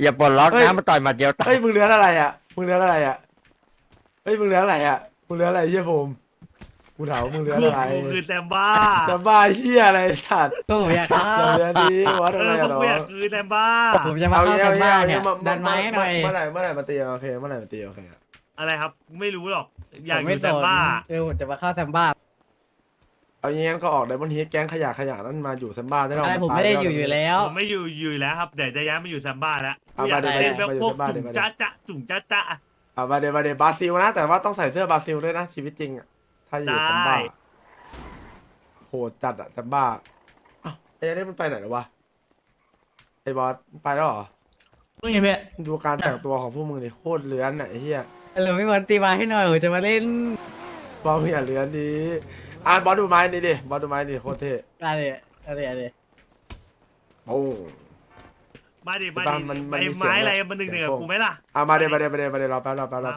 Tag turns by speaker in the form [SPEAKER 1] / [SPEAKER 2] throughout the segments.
[SPEAKER 1] อย่าปลดล็อก
[SPEAKER 2] เฮ้ย
[SPEAKER 1] นะมาต่อยหมัดเดียวตา
[SPEAKER 2] เฮ้
[SPEAKER 1] ย
[SPEAKER 2] ยมึงเลี้ยงอะไรอ่ะมึงเลี้ยงอะไรอ่ะเฮ้ยมึงเลี้ยงอะไรอ่ะมึงเลี้ยงอะไรเฮียผมกูถามว่ามึงเลี้ยงอะไร
[SPEAKER 3] กูคือแซมบ้า
[SPEAKER 2] จะบ้าเฮียอะไรสัตว์
[SPEAKER 4] ก็ผมอยากเข้า
[SPEAKER 2] เดี๋ยวนี้วัด
[SPEAKER 3] เอ
[SPEAKER 2] อะไร
[SPEAKER 3] อ
[SPEAKER 2] อ่ะ
[SPEAKER 3] พวก
[SPEAKER 2] น้อ
[SPEAKER 3] กูอยาก
[SPEAKER 2] ง
[SPEAKER 3] คือแซมบ้า
[SPEAKER 4] ผมจะมาเข้ากันบ้านเนี่ยดันไม้หน่อย
[SPEAKER 2] เมื่อไหร่มาตีโอเคเมื่อไหร่มาตีโอเคอะ
[SPEAKER 3] อะไรครับไม่รู้หรอกอยาก
[SPEAKER 4] ผม
[SPEAKER 3] อ
[SPEAKER 4] ไม่
[SPEAKER 3] ยู่
[SPEAKER 4] ส
[SPEAKER 3] แซม
[SPEAKER 4] น
[SPEAKER 3] บ้า
[SPEAKER 4] ผมจะมาเข้าแซมบ้า
[SPEAKER 2] เอาอย่างงั้นก็ออกไดมอนด์เฮดแก๊งขยะนั่นมาอยู่ซัมบ้าได้แล้ว
[SPEAKER 4] อะไรผมไม่ได้อยู่แล้ว
[SPEAKER 3] ผมไม่อยู่แล้วครับเดี๋ยวจะย้ายมาอยู่แซมบ้าแล้ว
[SPEAKER 2] เอา
[SPEAKER 3] อยาก
[SPEAKER 2] มาดิ
[SPEAKER 3] เล่นแบบ
[SPEAKER 2] มาอยู่
[SPEAKER 3] พวก
[SPEAKER 2] แซมบ้า
[SPEAKER 3] จุ่
[SPEAKER 2] ดิ
[SPEAKER 3] ม
[SPEAKER 2] มาดิ
[SPEAKER 3] จ้าจ้าจุ่มจ้าจ้า
[SPEAKER 2] เอามาเดบราซิลนะ แต่ว่าต้องใส่เสื้อบราซิลด้วยนะชีวิตจริงอะถ้าอยู่ซัมบ้าโหดจัดอะซัมบ้าอ้าวไอ้นี่มันไปไหนแล้ววะไอ้บอสไปแล้วเหรอ
[SPEAKER 4] มึงเห็นไหม
[SPEAKER 2] ดูการแต่งตัวของพวกมึงดิโคตรเลื้อนอะไอ้เหี้ย
[SPEAKER 4] เราไม่วันตีมาให้หน่อยผมจะมาเล่น
[SPEAKER 2] บอสมึงอย่าเลื้อนดีบอสดูไม้นี่ดิบอสดูไม้นี่โคตรเท่
[SPEAKER 4] อะไร
[SPEAKER 2] โอ้
[SPEAKER 3] มาดิมา
[SPEAKER 2] บ้า
[SPEAKER 3] ดิ
[SPEAKER 2] นมัน
[SPEAKER 3] ไอ้
[SPEAKER 2] มีเสียง
[SPEAKER 3] ไม้อะไร
[SPEAKER 2] แบบ
[SPEAKER 3] มันหนึ่ง
[SPEAKER 2] เสี
[SPEAKER 3] เห
[SPEAKER 2] ย
[SPEAKER 3] นื
[SPEAKER 2] ง
[SPEAKER 3] อ
[SPEAKER 2] โป้ง
[SPEAKER 3] กูไหมล่ะ
[SPEAKER 2] มาเดี๋ยวรอแป๊บ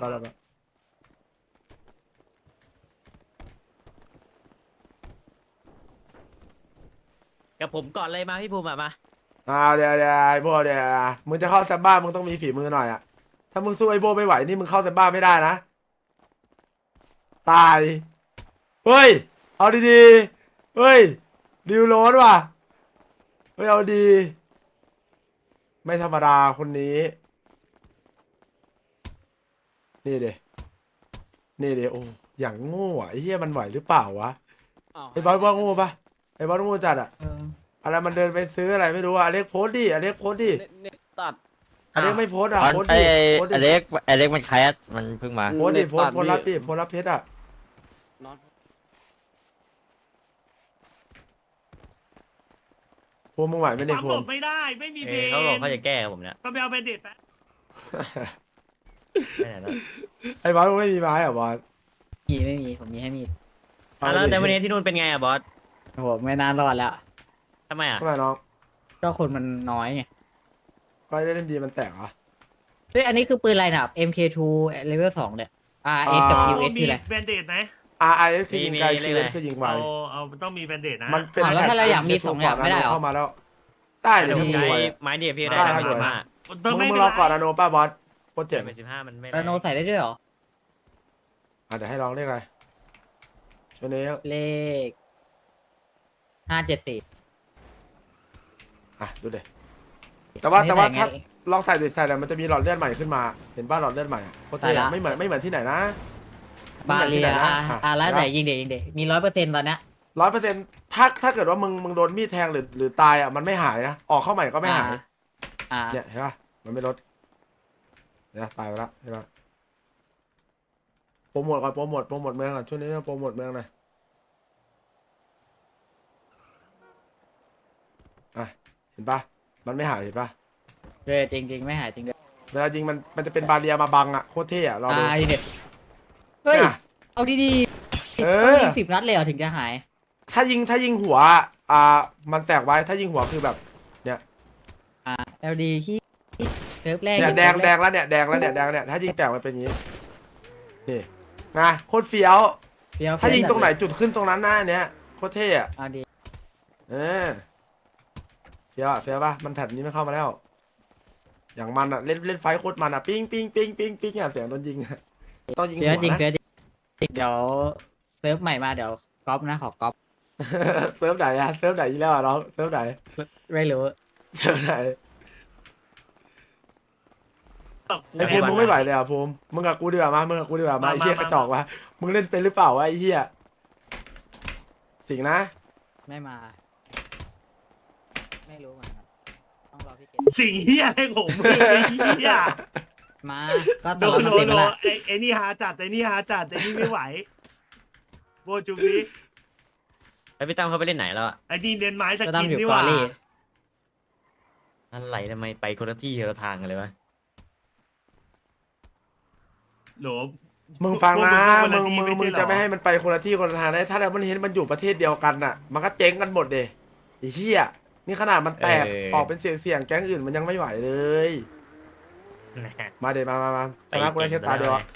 [SPEAKER 5] กับผมก่อนเลยมาพี่ภูมิอะมา
[SPEAKER 2] เดี๋ยวไอ้พวกเดี๋ยวมึงจะเข้าซัมบ้ามึงต้องมีฝีมือหน่อยอะถ้ามึงสู้ไอ้โบไม่ไหวนี่มึงเข้าซัมบ้าไม่ได้นะตายเฮ้ยเอาดีๆเฮ้ยดิวโรสว่ะเฮ้ยเอาดี ไม่ธรรมดาคนนี้ นี่เดนี่เดโอ้อย่างโง่อะไอ้เหี้ยมันไหวหรือเปล่าวะไอ้บอสว่าโง่ปะไอ้บอสโง่จัดอะอะไรมันเดินไปซื้ออะไรไม่รู้อะอเล็กโพสต์ดิอเล็กโพสต์ดิ
[SPEAKER 4] เน็ตตัด
[SPEAKER 2] อเล็กไม่โพสต์อะ
[SPEAKER 1] ตอน
[SPEAKER 2] โพสต์
[SPEAKER 1] ไอ้
[SPEAKER 2] ดิโพสต์
[SPEAKER 1] อ
[SPEAKER 2] ดิ
[SPEAKER 1] เล็กอเล็กมันแคสมันเพิ่งมา
[SPEAKER 2] โพสต์ดิโพสต์โพสต์รับดิโพสต์รับเพชรอะพวกมึงไหวไหมเนี่ย
[SPEAKER 3] ปั๊ม
[SPEAKER 2] พว
[SPEAKER 3] หล
[SPEAKER 2] ก
[SPEAKER 3] บไม่ได้ไม่มีเพลง
[SPEAKER 5] เขาบอกเขาจะแก้กับผมเนี่ย
[SPEAKER 3] ก็ไปเอาเป็นเด็ดแป๊บ
[SPEAKER 5] ไม่ไหนแล้ว
[SPEAKER 2] ไอ้บอสมึงไม่มีไม้เหรอบอส
[SPEAKER 4] ไม่มีผมมีให้มี
[SPEAKER 5] อ่ะแล้วแต่วันนี้ที่นู่นเป็นไงอะบอส
[SPEAKER 4] โอ้โหไม่นานรอดแล้ว
[SPEAKER 5] ทำไมอะ
[SPEAKER 2] ทำไมน้อง
[SPEAKER 4] ก็คนมันน้อยไง
[SPEAKER 2] ก็ได้เล่นดีมันแตกเหรอ
[SPEAKER 4] เฮ้ยอันนี้คือปืนอะไรนะ MK2 level 2เนี่ย RS กับ QS
[SPEAKER 3] มี
[SPEAKER 4] คืออะไร
[SPEAKER 3] แบนเดดไหม
[SPEAKER 2] RIS คือยิงไกลชีวิตคือยิงไว
[SPEAKER 3] เอาต้องมีแบนเดดนะ
[SPEAKER 2] มันเป็น
[SPEAKER 4] แล้วถ้าเราอยากมี
[SPEAKER 2] แพท
[SPEAKER 4] สองอย่างไม่ได้เหรอ
[SPEAKER 2] เข้ามาแล้วได้
[SPEAKER 5] เดี๋
[SPEAKER 2] เดี๋
[SPEAKER 5] ย
[SPEAKER 2] ยว ว
[SPEAKER 5] ผ
[SPEAKER 2] มึ
[SPEAKER 5] ม
[SPEAKER 2] ง
[SPEAKER 5] ใช้
[SPEAKER 2] รวย
[SPEAKER 5] ไม้เดียพี่ได้
[SPEAKER 2] ได้
[SPEAKER 5] ไป
[SPEAKER 2] ได้
[SPEAKER 5] 15
[SPEAKER 2] มึงรอก่อนอะโนป้าบอสโคตรเจ๋ง
[SPEAKER 5] ไป15มันไม่
[SPEAKER 4] ระโนใส่ได้ด้วยเหรอ
[SPEAKER 2] เดี๋ยวให้ลองเรียกอะไรช่วงนี้
[SPEAKER 4] เลข574
[SPEAKER 2] ดูเด็แต่ว่า
[SPEAKER 4] ไม่
[SPEAKER 2] แต่ว่า
[SPEAKER 4] ไหนไง
[SPEAKER 2] ถ้าลองใส่ดิใส่แล้วมันจะมีหลอดเลือดใหม่ขึ้นมา เห็นป่ะหลอดเลือดใหม่อะโคตรเท่
[SPEAKER 4] ใส่ละ
[SPEAKER 2] ไม่เหมือนที่ไหนนะ
[SPEAKER 4] บาเรีย
[SPEAKER 2] ไม่เหมือนที่ไหนนะ
[SPEAKER 4] แล้วไหนยิงเด็กมี100%ตอนเนี้ย
[SPEAKER 2] 100%ถ้าเกิดว่ามึงโดนมีดแทงหรือตายอ่ะมันไม่หายนะออกเข้าใหม่ก็ไม่หาย
[SPEAKER 4] อ่า
[SPEAKER 2] เนี่ยเห็นป่ะมันไม่ลดเนี่ยตายไปแล้วเห็นป่ะโปรโมทก่อนโปรโมทเมืองก่อนช่วงนี้โปรโมทเมืองหน่อยเห็นป่ะมันไม่หายเห็นป่ะ
[SPEAKER 4] จริงไม่หายจริงด้วย
[SPEAKER 2] เวลายิงมันจะเป็นบาเรียมาบังอ่ะโคตรเท่อะรอดู
[SPEAKER 4] ยิงเด็กเฮ้ย
[SPEAKER 2] เนี่ย
[SPEAKER 4] เอาดีๆ
[SPEAKER 2] เอ
[SPEAKER 4] ต้อง
[SPEAKER 2] อ
[SPEAKER 4] ยิง10 นัดเลยเหรอถึงจะหาย
[SPEAKER 2] ถ้ายิงหัวมันแตกไว้ถ้ายิงหัวคือแบบ
[SPEAKER 4] LD ที่เซิร์ฟแรก
[SPEAKER 2] เนี่ยแดงแล้วเนี่ยแดงแล้วเนี่ยถ้ายิงแตกมันเป็นอย่างนี้นี่นะโคตรเฟี้ยว
[SPEAKER 4] เดี๋ยว
[SPEAKER 2] ถ้ายิงตรงไหนจุดขึ้นตรงนั้นหน้าเนี้ยโคตรเท่อะ
[SPEAKER 4] เอาดี
[SPEAKER 2] เออเฟี้ยวป่ะมันแผ่นนี้ไม่เข้ามาแล้ว อย่างมันอะเล่นไฟโคตรมันอะปิ้งอะเสียงโดนยิงอะต้องยิงหั
[SPEAKER 4] เฟี้ยว
[SPEAKER 2] ว
[SPEAKER 4] จริง
[SPEAKER 2] นะ
[SPEAKER 4] เฟี้ยวจริงเดี๋ยวเซิร์ฟใหม่มาเดี๋ยวก๊อปนะขอก๊อป
[SPEAKER 2] เซิร์ฟไหนอะเซิร์ฟไหนอีกแล้วอะน้องเซิร์ฟไหน
[SPEAKER 4] ไม่รู้
[SPEAKER 2] เซิร์ฟไหน
[SPEAKER 3] ตก
[SPEAKER 2] ไอ้ภูมิมึงไม่ไหวเลยอะภูมิมึงกับกูดีกว่ามาไอ้เหี้ยกระจอกวะมึงเล่นเป็นหรือเปล่าวะไอ้เหี้ยสิงนะ
[SPEAKER 4] ไม่มา ไม่รู้เหมือนกันต้องรอพี่เกด
[SPEAKER 3] สิ่งเฮียอะไรของมึงไอ้เฮีย
[SPEAKER 4] มาก็
[SPEAKER 3] โด
[SPEAKER 4] ตลอด
[SPEAKER 3] น
[SPEAKER 4] มัน
[SPEAKER 3] โด
[SPEAKER 4] เต็
[SPEAKER 3] น
[SPEAKER 4] มไป
[SPEAKER 3] โด
[SPEAKER 4] ละ
[SPEAKER 3] นไอ้นี่หาจัดไอ้นี่ไม่ไหวโบจุบนี้
[SPEAKER 5] แล้วพี่ตั้มเขาไปเล่นไหนแล้วอะ
[SPEAKER 3] ไอ้นี่เน้นไม้ส
[SPEAKER 4] จะต้อ
[SPEAKER 3] กิ
[SPEAKER 4] ง
[SPEAKER 3] น
[SPEAKER 4] อยู่
[SPEAKER 3] นี่
[SPEAKER 4] ก
[SPEAKER 3] ห
[SPEAKER 4] อ
[SPEAKER 3] ว่า
[SPEAKER 4] รี่
[SPEAKER 5] อะไรทำไมไปคนละที่คนละทางกันเลยวะ
[SPEAKER 3] โหล
[SPEAKER 2] มึงฟังนะ
[SPEAKER 3] พวก
[SPEAKER 2] มึง
[SPEAKER 3] คนละที่
[SPEAKER 2] มึง
[SPEAKER 3] ใช่เหรอ
[SPEAKER 2] จะไม่ให้มันไปคนละที่คนละทางได้ถ้าแล้วมันเห็นมันอยู่ประเทศเดียวกันน่ะ มันก็เจ๊งกันหมดเดะไอ้เหี้ยนี่ขนาดมันแตกออกเป็นเสียงแก๊งอื่นมันยังไม่ไหวเลย มาเดมาชนะกูได้แค่ตาเดียวอะ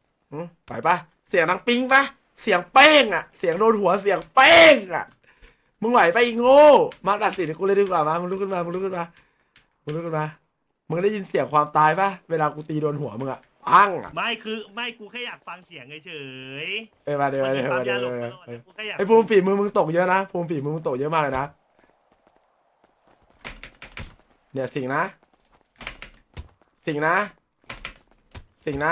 [SPEAKER 2] ไหวปะเสียงดังปิ้งปะเสียงเป้งอะเสียงโดนหัวเสียงเป้งอะมึงไหวไปอีกโง่มาตัดสินกูเลยดีกว่ามามึงลุกขึ้นมามึงลุกขึ้นมามึงลุกขึ้นมามึงได้ยินเสียงความตายปะเวลากูตีโดนหัวมึงอะปังอะ
[SPEAKER 3] ไม่คือไม่กูแค่อยากฟังเสียงเฉย
[SPEAKER 2] มาเดี๋ยว
[SPEAKER 3] มัน
[SPEAKER 2] มา
[SPEAKER 3] มี
[SPEAKER 2] เดี๋ยว
[SPEAKER 3] ความ
[SPEAKER 2] มาเดี๋
[SPEAKER 3] ยา
[SPEAKER 2] ยว
[SPEAKER 3] หลง
[SPEAKER 2] มา
[SPEAKER 3] ตลอด
[SPEAKER 2] เดี๋ยว
[SPEAKER 3] กูแค่อยาก
[SPEAKER 2] ไอ้ภูมิฝีมือมึงตกเยอะนะภูมิฝีมือมึงตกเยอะมากเลยนะเนี่ยสิ่งนะสิ่งนะสิ่งนะ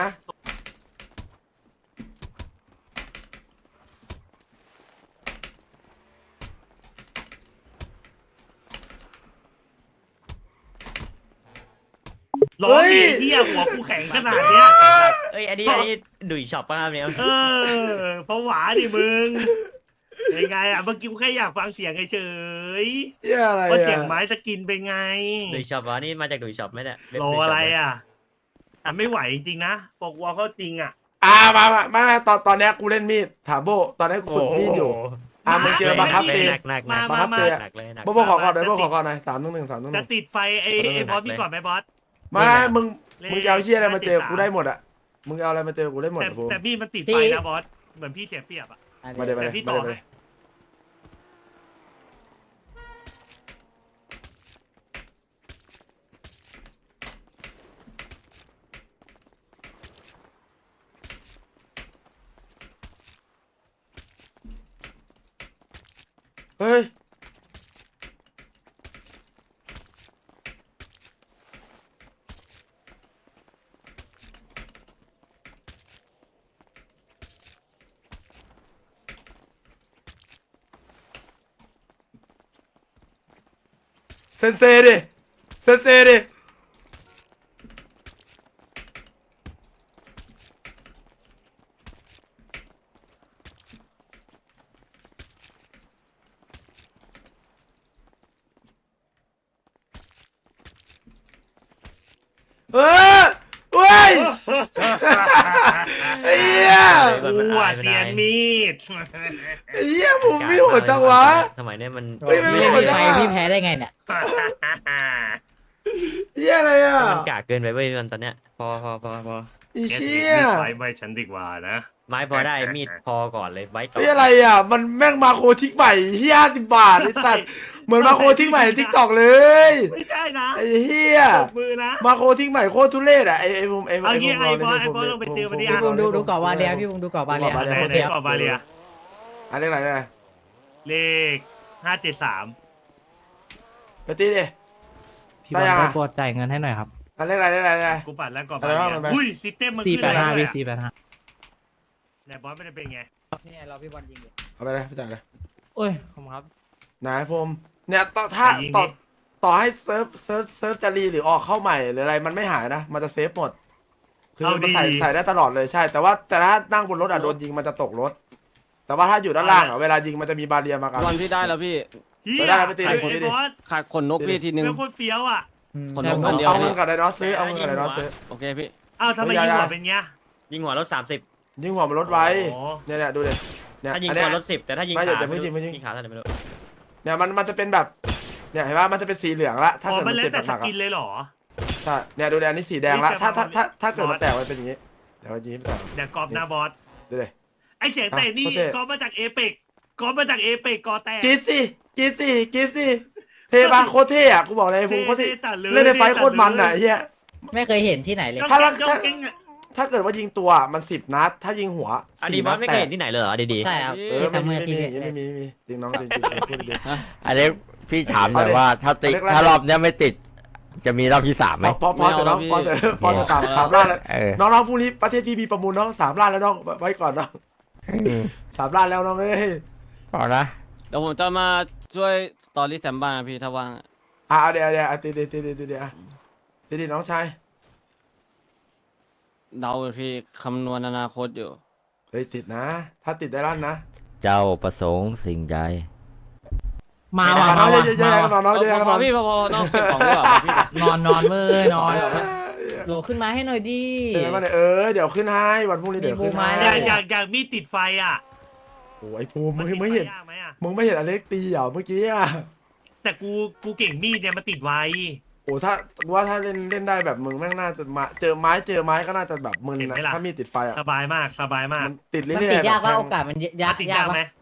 [SPEAKER 3] ร้องดิเหี้ยหัวกูแข็งขนาดเนี้ย
[SPEAKER 5] เอ้ยอันนี้ดุยช็อปป่ะครับเนี่ย
[SPEAKER 3] เออเพราะหวาดิมึงยังไงอ่ะเมื่อกี้กูแค่อยากฟังเสียงเฉย
[SPEAKER 2] เหี้ยอะไร
[SPEAKER 3] ๆว่าเสียง
[SPEAKER 2] อะ
[SPEAKER 3] ไม้สกินเป็นไง
[SPEAKER 5] ดุยช็อปวะนี่มาจากดุยช็อปไหมเนี่ยเว็บ
[SPEAKER 3] โล
[SPEAKER 5] ดุยช็ป
[SPEAKER 3] อะไรอ่ะอ่ะไม่ไหวจริงๆนะปกวอลเขาจริงอ่ะ
[SPEAKER 2] มาไม่ตอนเนี้ยกูเล่นมีดถามโบตอนนี้กูฝึกมีดอยู่มึงเจอบังคับตี
[SPEAKER 5] หนักหนักหนัก
[SPEAKER 2] บังคับตี
[SPEAKER 5] หนักเลยหนัก
[SPEAKER 2] โบขอก่อนหน่อยโบขอก่อนหน่อย3-1
[SPEAKER 3] จะติดไฟไอ้บอสพี่ก่อนไหมบอส
[SPEAKER 2] ไม่มึงจะเอาเชี่ยอะไรมาเจอกูได้หมดอะมึงเอาอะไรมาเจอกูได้หมด
[SPEAKER 3] แต่
[SPEAKER 2] อะภูมิ
[SPEAKER 3] แต่พี่มันติดไฟนะบอสเหมือนพี่เสียเปรียบอ่ะ
[SPEAKER 2] มาเดี๋ยว
[SPEAKER 3] แต่พี่ต่อให้
[SPEAKER 2] เฮ้ยเซนเซดิเซนเซดิเฮ้ยไอ้เหี้ย
[SPEAKER 3] กูอ่ะเสียนมีด
[SPEAKER 2] ไอ้เหี้ยภูมิไม่โหดจังวะ
[SPEAKER 5] สมัยเนี้ยมัน
[SPEAKER 2] เฮ้ยไม่
[SPEAKER 4] ไม่
[SPEAKER 2] รู้
[SPEAKER 4] ได้
[SPEAKER 2] เหมือนกัน
[SPEAKER 4] มีไฟพี่แพ้ได้ไงเนี่ย
[SPEAKER 2] เหี้ยอะไรอ่ะ
[SPEAKER 5] มันกากเกินไปเว้ยมันตอนเนี้ยพอ
[SPEAKER 2] ไอ้เชี่ย
[SPEAKER 3] ไฟไม่ฉันดีกว่านะ
[SPEAKER 5] ไม้พอได้มีดพอก่อนเลยไว้ก่อน
[SPEAKER 2] เฮ้ยอะไรอ่ะมันแม่งมาโคทิกใหม่เหี้ย50 บาทไอ้สัตว์เหมือนมาโคทิกใหม่ทิกตอกเลย
[SPEAKER 3] ไม่ใช่นะ
[SPEAKER 2] ไอ้เหี้ย
[SPEAKER 3] ตบมือนะ
[SPEAKER 2] มาโคทิกใหม่โคตรทุเรศอ่ะไอ้ภูมิไอ้
[SPEAKER 3] เอางี้
[SPEAKER 2] ภูมิ
[SPEAKER 3] ไอ้บอสไอ้บอสลงไปเจอมันดิ
[SPEAKER 4] พี่บุ้งดูเกาะวาเลียพี่บุ้งดูเกาะวาเลีย
[SPEAKER 3] ไหน
[SPEAKER 4] โคตร
[SPEAKER 3] ไหน
[SPEAKER 4] เฟี้ยว
[SPEAKER 3] ก่อนบาเลีย
[SPEAKER 2] อันนี้อะไรเนี่ย
[SPEAKER 3] เลข573
[SPEAKER 2] ไปตีดิ
[SPEAKER 6] พี่บอล
[SPEAKER 2] ได้ยัง
[SPEAKER 6] ร
[SPEAKER 2] อะ
[SPEAKER 6] บกวนจ่ายเงินให้หน่อยครับ
[SPEAKER 2] อันนี้อะไร
[SPEAKER 3] กูปัดแล้วก่อน
[SPEAKER 2] อะไร
[SPEAKER 3] บาเลี
[SPEAKER 2] วะมันไป
[SPEAKER 3] ยอุ้ยซิสเต็มมันขึ้นอะไร
[SPEAKER 6] 485
[SPEAKER 3] เล
[SPEAKER 6] พี่
[SPEAKER 3] ย
[SPEAKER 6] 485
[SPEAKER 3] ไหนบอสไม่ได้เป็นไง
[SPEAKER 4] เนี่ยเราพี่บอลยิงอยู่
[SPEAKER 2] เอาไปเลยไปจ่ายเลย
[SPEAKER 6] โอ้ยขอบคุณครับ
[SPEAKER 2] ไหนภูมิเนี่ยต่อถ้า
[SPEAKER 3] ไปยิงดิ
[SPEAKER 2] ต่อให้เซิร์ฟจะรีหรือออกเข้าใหม่หรืออะไรมันไม่หายนะมันจะเซฟหมดคือมันใส่ได้ตลอดเลยใช่ แต่ว่าแต่ถ้านั่งบนรถอ่ะโดนยิงมันจะตกรถ แต่ว่าถ้าอยู่ด้านล่างอ่ะเวลายิงมันจะมีบาเรียมากัน
[SPEAKER 7] วันพี่ได้แล้วพี่
[SPEAKER 3] เฮีย
[SPEAKER 2] ไปได้ไปตี
[SPEAKER 3] ไอ้
[SPEAKER 2] ไปตี
[SPEAKER 3] บอส
[SPEAKER 7] ขาดขนนกพี่ทีนึง
[SPEAKER 3] เป็นคนเฟี้ยวอ่ะ
[SPEAKER 7] คน
[SPEAKER 4] ใช่
[SPEAKER 7] ลง
[SPEAKER 4] ผ
[SPEAKER 7] อั
[SPEAKER 4] ม
[SPEAKER 7] นเดียว
[SPEAKER 2] เอาเงินกับไดโนซื้อเอาเงินกับไดโนซื้อ
[SPEAKER 7] โอเคพี่
[SPEAKER 3] อ้าวทำไมยิงหัวเป็นเงี้ย
[SPEAKER 5] ยิงหัวรถ30
[SPEAKER 2] ยิงหัวมันรถไว้
[SPEAKER 3] โอ้
[SPEAKER 2] เนี่ยดูดิเนี่ย
[SPEAKER 5] ถ้ายิง
[SPEAKER 2] อัน
[SPEAKER 5] หั
[SPEAKER 2] เนี้
[SPEAKER 5] วย รถ10แต่ถ้ายิง
[SPEAKER 2] ไม่
[SPEAKER 5] ขา
[SPEAKER 2] อย่าเพิ่งยิง
[SPEAKER 5] ยิงขาเท่าไหร่ไม่รู้
[SPEAKER 2] เนี่ยมันจะเป็นแบบเนี่ยเห็นป่ะมันจะเป็นสีเหลืองละถ้า
[SPEAKER 3] อ๋อ
[SPEAKER 2] เกิด
[SPEAKER 3] มั
[SPEAKER 2] มัน น
[SPEAKER 3] แล้ว
[SPEAKER 2] เจ็บ
[SPEAKER 3] แต่
[SPEAKER 2] ห
[SPEAKER 3] ส
[SPEAKER 2] นักๆ
[SPEAKER 3] กิ
[SPEAKER 2] อ่ะ
[SPEAKER 3] นเลยเหรอ
[SPEAKER 2] ใช่เนี่ยดูดิอันนี้สีแดงละ
[SPEAKER 3] นี่แต่
[SPEAKER 2] ถ้าเกิด
[SPEAKER 3] บอส
[SPEAKER 2] มันแตกมันเป็นอย่างงี้เดี๋ยวยิงให้แตก
[SPEAKER 3] เดี๋ยวกรอบหน้าบอส
[SPEAKER 2] ดูดิ
[SPEAKER 3] ไอเสียงเตะนี่
[SPEAKER 2] โอเค
[SPEAKER 3] กรอบมาจากเอเปกกรอบมาจากเอเปกกอแตก
[SPEAKER 2] กรีดสิเท่ปะโคตรเท่อะกูบอกเลยภูมิโคตรเท่
[SPEAKER 3] จัดเลย
[SPEAKER 2] เล่นในไฟท์โคตรมันอ่ะไอ้เฮีย
[SPEAKER 4] ไม่เคยเห็นที่ไหนเลย
[SPEAKER 3] จ้อง
[SPEAKER 2] ถ้า
[SPEAKER 3] เก่งจ้องเก่งอะ
[SPEAKER 2] ถ้าเกิดว่ายิงตัวมัน10 นัด ถ้ายิงหัว
[SPEAKER 5] อันนี้
[SPEAKER 2] 4
[SPEAKER 5] บอ
[SPEAKER 2] นั
[SPEAKER 5] ส
[SPEAKER 2] ด
[SPEAKER 5] ไม่
[SPEAKER 2] แต
[SPEAKER 5] เคย
[SPEAKER 2] ก
[SPEAKER 5] เห็นที่ไหนเลยเหรอดี
[SPEAKER 4] ใช่ครับ ที่ทำเมื่อที่เนี่ย
[SPEAKER 2] ไม่มีจริงน้องจริงพูดดี
[SPEAKER 1] อันนี้พี่ถามหน่อย
[SPEAKER 2] เอาดิ
[SPEAKER 1] ว่าถ้าติ
[SPEAKER 2] เอาเล็กๆ
[SPEAKER 1] ถ้ารอบเนี้ยไม่ติด จะมีรอบที่3ไหม
[SPEAKER 2] พอจะน้องพอจะสามล้านแล้ว
[SPEAKER 1] เออ
[SPEAKER 2] น้องพรุ่งนี้ประเทศพี่มีประมูลน้อง3 ล้านแล้วน้องไว้ก่อนน้อง3 ล้านแล้วน้องเอ้ย
[SPEAKER 1] พอนะ
[SPEAKER 7] เดี๋ยวผมจะมาช่วยตอรี่แซมบ้างนะพี่ถ้าว่าง
[SPEAKER 2] เดี๋ยวตีน้องชาย
[SPEAKER 7] เดาอยู่พี่คำนวณอนาคตอยู่
[SPEAKER 2] เฮ้ยติดนะ ถ้าติดได้ลั่นนะ
[SPEAKER 1] เจ้าประสงค์สิ่งใด
[SPEAKER 6] มาว่ะ
[SPEAKER 2] น้
[SPEAKER 6] มา
[SPEAKER 2] อง
[SPEAKER 6] ว่ะ
[SPEAKER 2] เยอะๆน้องเยอะๆ
[SPEAKER 7] พ
[SPEAKER 2] น้
[SPEAKER 7] อ
[SPEAKER 2] อง
[SPEAKER 7] พี่พอน้องเก็บของดีกว่าพี่
[SPEAKER 6] นอนเว้ยนอน
[SPEAKER 4] โหลขึ้นมาให้หน่อยดิ
[SPEAKER 2] เดี๋ยวมาเดี๋ยวขึ้นให้วันพรุ่งนี้เดี๋ยวขึ้นให้
[SPEAKER 4] มีบูมไม้
[SPEAKER 3] อ
[SPEAKER 4] แล้
[SPEAKER 3] ยากมีดติดไฟอ่ะ
[SPEAKER 2] โอ้ยภูมิมึง
[SPEAKER 3] ติด
[SPEAKER 2] ไม่
[SPEAKER 3] ไฟ
[SPEAKER 2] เห็น
[SPEAKER 3] ยากไหมอ่ะ
[SPEAKER 2] มึงไม่เห็นอเล็กตีเหรอเมื่อกี้อ่ะ
[SPEAKER 3] แต่กูเก่งมีดเนี่ยมันติดไว
[SPEAKER 2] โอ้ถ้าว่าถ้าเล่นได้แบบมึงแม่งน่าจะมาเจอไม้ก็น่าจะแบบมึนนะถ้ามีติดไฟอ่ะ
[SPEAKER 3] สบายมาก
[SPEAKER 2] มันติดเรื่
[SPEAKER 4] มัน
[SPEAKER 2] อยๆ
[SPEAKER 4] ติดยากว่า
[SPEAKER 2] แบบ
[SPEAKER 4] โอกาสมันยา
[SPEAKER 3] มั
[SPEAKER 4] ก
[SPEAKER 3] นติด
[SPEAKER 4] ยาย
[SPEAKER 3] าก กไหม
[SPEAKER 4] วะ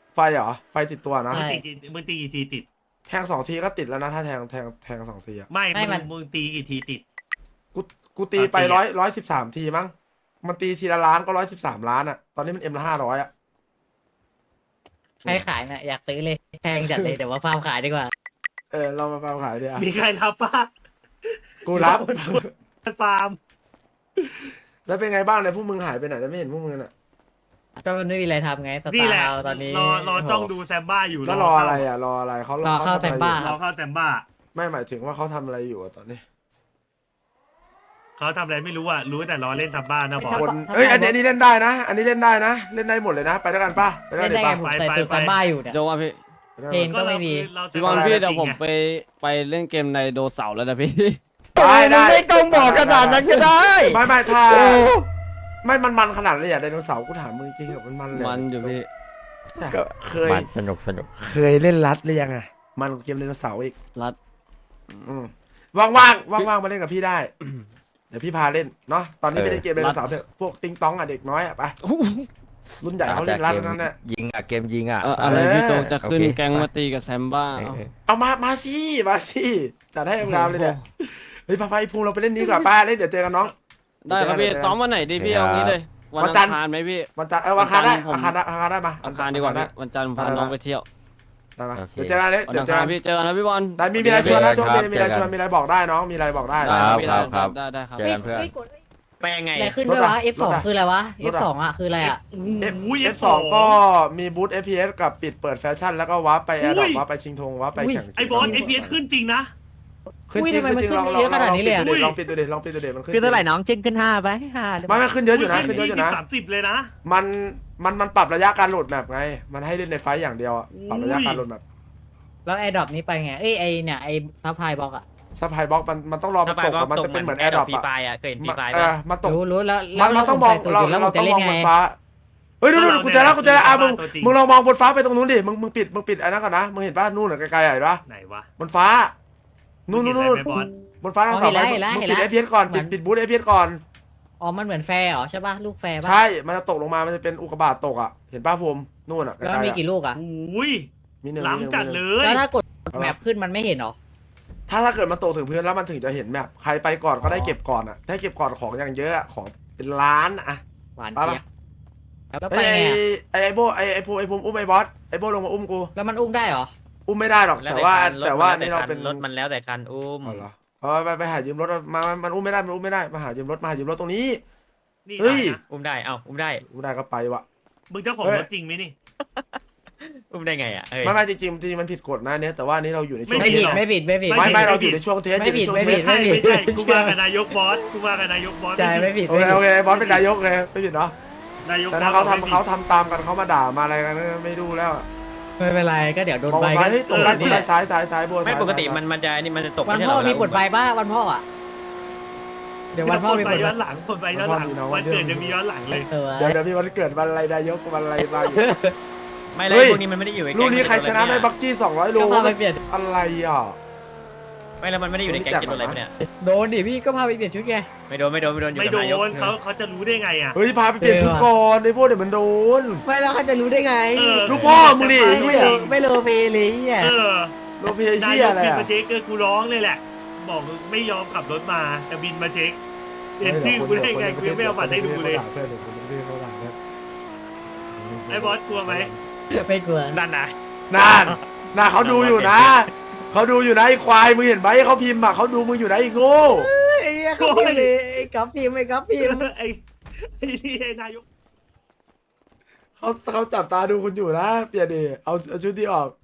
[SPEAKER 2] ไฟเหรอไฟติดตัวนะ
[SPEAKER 4] ใช่
[SPEAKER 3] มึงตีกี่ทีติด
[SPEAKER 2] แทง2 ทีก็ติดแล้วนะถ้าแทง2 ทีอะ
[SPEAKER 3] ไม่
[SPEAKER 4] ไม่มัน
[SPEAKER 3] มึงตีกี่ทีติด
[SPEAKER 2] กูตีไป
[SPEAKER 3] ตีอะ
[SPEAKER 2] 113 ทีมั้งมันตีทีละล้านก็113 ล้านอะตอนนี้มันละ500อะ
[SPEAKER 4] ใครขายน่ะอยากซื้อเลยแพงจัดเลยแต่ว่าฟาร์มขายดีกว่า
[SPEAKER 2] เรามาขายดิอะ
[SPEAKER 3] มีใครรับปะ
[SPEAKER 2] กูรับ
[SPEAKER 3] ฟาร์ม
[SPEAKER 2] แล้วเป็นไงบ้างเนี่ยพวกมึงหายไปไหนแล้วไม่เห็นพวกมึงน่ะ
[SPEAKER 4] ก็มันไม่มีอะไรทำไงส
[SPEAKER 3] นี่
[SPEAKER 4] ตา
[SPEAKER 3] แหละ
[SPEAKER 4] ร์ตอนนี้
[SPEAKER 3] รอจ้องดูแซมบ้าอยู่
[SPEAKER 2] แล้วรออะไรอ่ะรออะไรเขา
[SPEAKER 4] รอเข้า
[SPEAKER 2] ทำอะไร
[SPEAKER 4] แซมบ้า
[SPEAKER 2] อยู่
[SPEAKER 3] รอเข้าแซมบ้า
[SPEAKER 2] ไม่หมายถึงว่าเขาทำอะไรอยู่อะตอนนี้
[SPEAKER 3] เขาทำอะไรไม่รู้อ่ะรู้แต่รอเล่นแซมบ้านะบอส
[SPEAKER 2] คนอันนี้เล่นได้นะ อันนี้เล่นได้นะ เล่นได้หมดเลยนะ ไปด้วยกันป่ะไปด้วย
[SPEAKER 4] เล่
[SPEAKER 2] กัน
[SPEAKER 4] น
[SPEAKER 2] เดี๋
[SPEAKER 4] ได้
[SPEAKER 2] ยวป่ะ
[SPEAKER 4] ไงผมใส่สูตรแซมบ้าอยู่เนี่ย
[SPEAKER 7] โจว่าพี่
[SPEAKER 4] เพลง ก็ไม่มี
[SPEAKER 7] พี่บอลพี่เดี๋ยวผมไปเล่นเกมในโดเสาร์แล้วนะพี่
[SPEAKER 2] ได้ได้
[SPEAKER 1] ไม่ต้องบอกขนาดนั้นก็ได้
[SPEAKER 2] ไม่ถ้า
[SPEAKER 1] โอ้
[SPEAKER 2] ไม่มันขนาดเลยอ่ะไดโนเสาร์กูถามมึงจริงๆเหรอมันเลย
[SPEAKER 7] มันอยู่พี่
[SPEAKER 2] ก็เคย
[SPEAKER 1] มันสนุก
[SPEAKER 2] เคยเล่นรัดหรือยังอ่ะมันกว่าเกมไดโนเสาร์อีก
[SPEAKER 7] รัด
[SPEAKER 2] ว่างๆมาเล่นกับพี่ได้ เดี๋ยวพี่พาเล่นเนาะตอนนี้ไม่ได้เกมไดโนเสาร์เถอะพวกติงตองอ่ะเด็กน้อยอ่ะไปรุ่นใหญ่เขาเล่นรัดแล้วนั่นแหละ
[SPEAKER 1] ยิงอ่ะเกมยิงอ่ะ
[SPEAKER 7] อะไรพี่โจจะขึ้น
[SPEAKER 1] โอเค
[SPEAKER 7] แก๊งมาตีกับแซมบ้า
[SPEAKER 1] เอ
[SPEAKER 7] เอา
[SPEAKER 1] อ
[SPEAKER 2] เอามาสิจัดให้งามเลยเนี่ยเฮ้ยพาไปภูมิเราไปเล่นนี้ก่อนป้าเล่นเดี๋ยวเจอกันน้อง
[SPEAKER 7] ได้ครับพี่ซ้อมวันไหนดีพี่เอางี้เลย วัน
[SPEAKER 2] วันจั
[SPEAKER 7] อั
[SPEAKER 2] นทร์
[SPEAKER 7] งคารไหมพี่
[SPEAKER 2] วันจันทร์วันอังคารได้
[SPEAKER 7] วันจั
[SPEAKER 2] อั
[SPEAKER 7] น
[SPEAKER 2] ง
[SPEAKER 7] ทร์
[SPEAKER 2] คารได้มา
[SPEAKER 7] อังคารดีกว่าพี่วันจันทร์ผมพาน้องไปเที่ยว
[SPEAKER 2] ได้มา
[SPEAKER 1] โอเค
[SPEAKER 2] เดี๋ยวเจอกันเลย
[SPEAKER 7] วัน
[SPEAKER 2] เดี๋ย
[SPEAKER 7] อั
[SPEAKER 2] ว
[SPEAKER 7] ง
[SPEAKER 2] เจอ
[SPEAKER 7] คาร
[SPEAKER 2] กัน
[SPEAKER 7] พี่เจอกันนะพี่บอล
[SPEAKER 2] ได้มีอะไรชวนนะโชคดี
[SPEAKER 1] ครับ
[SPEAKER 2] มีอะไร
[SPEAKER 1] เจอกัน
[SPEAKER 2] ชวนมีอะไรบอกได้น้องมีอะไรบอกได้
[SPEAKER 1] ค
[SPEAKER 2] นะ
[SPEAKER 1] รับ
[SPEAKER 7] พี่
[SPEAKER 1] ครับ
[SPEAKER 7] ได้ครับ
[SPEAKER 1] เจอกันเพื่อน
[SPEAKER 5] ไปยังไง
[SPEAKER 4] อะไรขึ้นด้วยวะ F2 คืออะไรวะ
[SPEAKER 2] รถอะ
[SPEAKER 4] F2 อ่ะคืออะไรอ่ะ
[SPEAKER 3] โอ้ย
[SPEAKER 2] F2 ก็มีบูธ FPS กับปิดเปิดแฟชั่นแล้วก็วาร์ปไปแอร์ดรอปวาร์ปไปชิงธงวาร์ปไปแข่ง
[SPEAKER 3] ไอ้บอสไอ้เพียขึ้นจริงนะ
[SPEAKER 2] ขึ้น
[SPEAKER 4] อุ้ย
[SPEAKER 2] จริง
[SPEAKER 4] ทำไมมัน
[SPEAKER 2] ขึ้นจริง
[SPEAKER 4] ขึ้นเยอะขนาดนี้เลยอะ
[SPEAKER 2] ลองปิดดูดิลองปิดดูดิมันขึ้น
[SPEAKER 5] คือเท่าไหร่น้องจึงขึ้น5ไป5
[SPEAKER 2] ไม่ขึ้นเยอะอยู่นะขึ้นเยอะอยู่นะ
[SPEAKER 3] 30เลยนะ
[SPEAKER 2] มันปรับระยะการโหลดแมปไงมันให้เล่นในไฟต์อย่างเดียวอะปรับระยะการโหลดแมป
[SPEAKER 4] แล้วไอ้ดรอปนี้ไปไงเอ้ยไอ้เนี่ยไอ้ซัพพลายบล็อกอ่ะ
[SPEAKER 2] ซัพพลายบล็อกมันต้องรอมัน
[SPEAKER 5] ถ้าไป
[SPEAKER 2] ตก
[SPEAKER 5] บล็อก
[SPEAKER 2] อะมัน
[SPEAKER 5] ต
[SPEAKER 2] จะ
[SPEAKER 5] ก
[SPEAKER 2] เป็นเหมือนแอ
[SPEAKER 5] แอ
[SPEAKER 2] ร์
[SPEAKER 5] ร์
[SPEAKER 2] ด
[SPEAKER 5] ด
[SPEAKER 2] ร
[SPEAKER 5] ร
[SPEAKER 2] อ
[SPEAKER 5] อ
[SPEAKER 2] ป
[SPEAKER 5] ปฟรี
[SPEAKER 2] อะ
[SPEAKER 5] ไฟอ่ะเคยเห็นฟรีไฟ
[SPEAKER 2] มันตก
[SPEAKER 4] รู้แล้ว
[SPEAKER 2] มันต้องมอง
[SPEAKER 4] ใส่สูตร
[SPEAKER 2] เรา
[SPEAKER 4] แล้วผม
[SPEAKER 2] ต้
[SPEAKER 4] จะ
[SPEAKER 2] อง
[SPEAKER 4] เล่
[SPEAKER 2] มอน ง
[SPEAKER 4] ไง
[SPEAKER 2] บนฟ้าเฮ้ยดูกูเจอแล้วมึงลองมองบนฟ้าไปตรงนู้นดิมึงปิดไอ้นั่นก่อนนะมึงเห็นป่ะนู่นไกลๆเห็นป่ะ
[SPEAKER 3] ไหนวะ
[SPEAKER 2] บนฟ้านู่นบนฟ้าทางเสาไฟมึงปิด FPS ก่อนปิดบูธ FPS ก่อน
[SPEAKER 4] อ๋อมันเหมือนแฟร์เหรอใช่ป่ะลูกแฟร์ป่ะ
[SPEAKER 2] ใช่มันจะตกลงมามันจะเป็นอุกกาบาตตกอ่ะเห็นป่ะภูมินู่นอ่ะ
[SPEAKER 4] แล้วมันมีกี่ลูกอ่ะ
[SPEAKER 3] โอ้ย
[SPEAKER 2] มีหนึ่ง
[SPEAKER 3] หลังจัดเลย
[SPEAKER 4] แล้วถ้ากดแมปขึ้นมันไม่เห็นเหรอ
[SPEAKER 2] ถ้าเกิดมันตกถึงพื้นแล้วมันถึงจะเห็นแมปใครไปก่อนก็ได้เก็บก่อนอ่ะถ้าเก็บก่อนของอย่างเยอะอะของเป็นล้านอ่ะ
[SPEAKER 4] หวาน
[SPEAKER 2] ไป
[SPEAKER 4] เจี๊
[SPEAKER 2] ปะ
[SPEAKER 4] ยบแล้ว
[SPEAKER 2] ไอ้
[SPEAKER 4] ไปไงอะ
[SPEAKER 2] ไอ้โบไอ้ภูมิอุ้มไอ้บอสไอ้โบลงมาอุ้มกู
[SPEAKER 4] แล้วมันอุ้มได้เหรอ
[SPEAKER 2] อุ้มไม่ได้หรอกแต่ว่านี่เราเป็น
[SPEAKER 5] รถมันแล้วแต่คันอุ้ม
[SPEAKER 2] อ๋อเหรอไปหายืมรถมันอุ้มไม่ได้มาหายืมรถตรงนี้
[SPEAKER 3] นี่
[SPEAKER 2] เฮ้ย
[SPEAKER 3] นะ
[SPEAKER 5] อุ้มได้เอ้าอุ้มได้
[SPEAKER 2] อุ้มได้ก็ไปวะ
[SPEAKER 3] มึงเจ้าของรถจริงไหมนี่
[SPEAKER 5] อุ้มได้ไงอ่ะเอ้ย
[SPEAKER 2] ไม่จริงมันผิดกฎนะเนี่ยแต่ว่านี่เราอยู่ในช่วง
[SPEAKER 3] ไม่
[SPEAKER 4] ไม่
[SPEAKER 3] ผิ
[SPEAKER 4] ผิ
[SPEAKER 3] ด
[SPEAKER 4] ด
[SPEAKER 3] หรอ
[SPEAKER 4] ไม่ผิดไม่ผิด
[SPEAKER 2] ไม่เราอยู่ในช่วงเทสอยู่ในช่วง
[SPEAKER 4] ไม่
[SPEAKER 2] เท
[SPEAKER 4] ผิ
[SPEAKER 2] ส
[SPEAKER 4] ด
[SPEAKER 3] ไม่ใช่กูมากับนายกบอสกูมากับนายกบอส
[SPEAKER 4] ใช่ไม่ผิด
[SPEAKER 2] โอเคบอสเป็นนายกเลยไม่ผิดเนาะ
[SPEAKER 3] นายก
[SPEAKER 2] แต่ถ้าเขาทำตามกันเขามาด่ามาอะไรกันไม่ดูแล้ว
[SPEAKER 4] ไม่เป็นไรก็เดี๋ยวโดน
[SPEAKER 2] บอก
[SPEAKER 4] ใบ
[SPEAKER 2] ไป
[SPEAKER 4] ก็
[SPEAKER 2] เฮ้ยตกได้ซ้ายบัว
[SPEAKER 5] ไม่ปกติมันจะนี่มันจะตก
[SPEAKER 4] วัน
[SPEAKER 5] ไใช่
[SPEAKER 4] พ่อ
[SPEAKER 5] เหร
[SPEAKER 4] มีบทใบป่ะวันพ่ออ่ะเดี๋ยววันพ่อมี
[SPEAKER 3] ไป
[SPEAKER 4] บทใบ
[SPEAKER 3] ย้อนหลังคนไปย้อนหลังวันเกิดจะมีย้อนหลังเลย
[SPEAKER 4] เออ
[SPEAKER 2] เดี๋ยวพี่วันเกิดวันอะไรนายกวันอะไรบ้าง
[SPEAKER 5] ไม่เลย
[SPEAKER 2] เฮ้ย
[SPEAKER 5] พวกนี้มันไม่ได้อยู่ใน
[SPEAKER 2] ลูกนี้ใครชนะได้บักกี้200โล
[SPEAKER 4] ก็พาไปเปลี่ยน
[SPEAKER 2] อะไรอ่ะ
[SPEAKER 5] ไม่แล้วมันไม่ได้อยู่ในแก๊งกินอะไรปะเนี่ย
[SPEAKER 4] โดนดิพี่ก็พาไปเปลี่ยนชุดไง
[SPEAKER 5] ไม่โดนอยู่
[SPEAKER 3] ไม่
[SPEAKER 5] กับ
[SPEAKER 3] โด
[SPEAKER 5] นายก
[SPEAKER 3] นเขาจะรู้ได้ไงอ่ะ
[SPEAKER 2] เฮ้ยพาไปเปลี่ยนชุดก่อนไอ้พวกเดี๋ยวมันโดน
[SPEAKER 4] ไม่แล้วเขาจะรู้ได้ไง
[SPEAKER 2] ลูกพ่อมึงดิ
[SPEAKER 4] ไม่โลเปเลยอ่ะ
[SPEAKER 3] เออ
[SPEAKER 2] โลเพ
[SPEAKER 3] นาย
[SPEAKER 2] เชีย
[SPEAKER 3] ก
[SPEAKER 2] อะไร
[SPEAKER 3] บิน
[SPEAKER 2] อ่ะ
[SPEAKER 3] มาเช็คกูร้องเลยแหละ บอกไม่ยอมขับรถมาแต่บินมาเช็คเห็นชื่อกูได้ไงกูยังไม่เอาบัตรให้ดูเลยไอ้บอสกลัวไหม
[SPEAKER 4] ไม่กลัว
[SPEAKER 5] นั่นนะ
[SPEAKER 2] น่าเขาดูอยู่นะเขาดูอยู่นะไอ้ควายมึงเห็นไหมเขาพิมพ์อ่ะเขาดูมึงอยู่นะไอ้โง่
[SPEAKER 4] ไอ้เขาพิมพ์เลยไอ้กับพิมพ์ไอ้กับพิมพ์
[SPEAKER 3] ไอ้นี่ไอ้นายก
[SPEAKER 2] เขาจับตาดูคุณอยู่นะเปลี่ยนดิเอาชุดที่ออก